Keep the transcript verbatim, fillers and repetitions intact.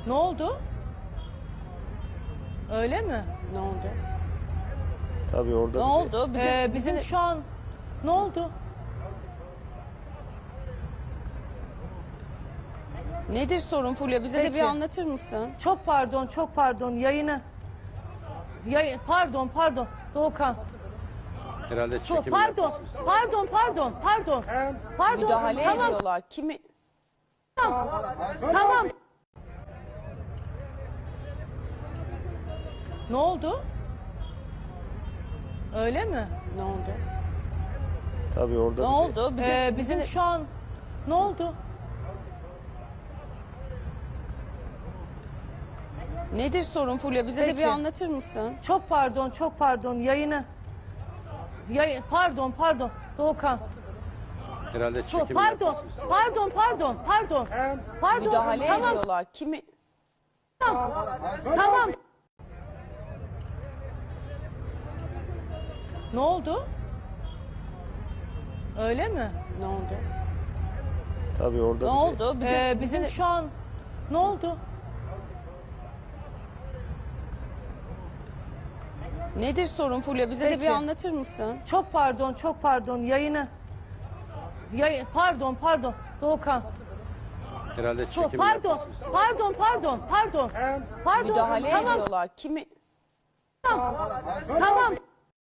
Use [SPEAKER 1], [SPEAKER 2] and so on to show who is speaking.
[SPEAKER 1] Ne oldu? Öyle mi?
[SPEAKER 2] Ne oldu?
[SPEAKER 3] Tabii orada
[SPEAKER 2] Ne
[SPEAKER 3] bir-
[SPEAKER 2] oldu? Bizim,
[SPEAKER 1] Ee, bizim
[SPEAKER 2] bizim
[SPEAKER 1] şu an ne oldu?
[SPEAKER 2] nedir sorun Fulya? Bize de bir
[SPEAKER 1] Peki.
[SPEAKER 2] anlatır mısın?
[SPEAKER 1] Çok pardon, çok pardon. Yayını. Yayın, pardon, pardon. Doğukan.
[SPEAKER 3] herhalde
[SPEAKER 1] Çok
[SPEAKER 3] çekim
[SPEAKER 1] pardon,
[SPEAKER 3] yapıyorsunuz.
[SPEAKER 1] pardon, pardon, pardon. Pardon.
[SPEAKER 2] Müdahale
[SPEAKER 1] tamam,
[SPEAKER 2] ediyorlar. Kimi?
[SPEAKER 1] tamam. Ne oldu? Öyle mi?
[SPEAKER 2] Ne oldu?
[SPEAKER 3] Tabii orada
[SPEAKER 2] Ne
[SPEAKER 3] bir-
[SPEAKER 2] oldu? Bizim,
[SPEAKER 1] Ee, bizim
[SPEAKER 2] bizim
[SPEAKER 1] şu an ne oldu?
[SPEAKER 2] nedir sorun Fulya? Bize de bir
[SPEAKER 1] Peki.
[SPEAKER 2] anlatır mısın?
[SPEAKER 1] Çok pardon, çok pardon. Yayını. Yayın, pardon, pardon. Doğukan.
[SPEAKER 3] herhalde
[SPEAKER 1] Çok
[SPEAKER 3] çekim
[SPEAKER 1] pardon,
[SPEAKER 3] yapıyorsunuz.
[SPEAKER 1] pardon, pardon, pardon. Pardon.
[SPEAKER 2] Müdahale
[SPEAKER 1] tamam,
[SPEAKER 2] ediyorlar. Kimi?
[SPEAKER 1] tamam. Ne oldu? Öyle mi?
[SPEAKER 2] Ne oldu?
[SPEAKER 3] Tabii orada
[SPEAKER 2] Ne
[SPEAKER 3] bir-
[SPEAKER 2] oldu? Bizim,
[SPEAKER 1] Ee, bizim
[SPEAKER 2] bizim
[SPEAKER 1] şu an ne oldu?
[SPEAKER 2] nedir sorun Fulya? Bize de bir
[SPEAKER 1] Peki.
[SPEAKER 2] anlatır mısın?
[SPEAKER 1] Çok pardon, çok pardon. Yayını. Yayın, pardon, pardon. Doğukan.
[SPEAKER 3] herhalde
[SPEAKER 1] Çok
[SPEAKER 3] çekim
[SPEAKER 1] pardon,
[SPEAKER 3] yapıyorsunuz.
[SPEAKER 1] pardon, pardon, pardon. Pardon.
[SPEAKER 2] Müdahale
[SPEAKER 1] tamam,
[SPEAKER 2] ediyorlar. Kimi?
[SPEAKER 1] tamam.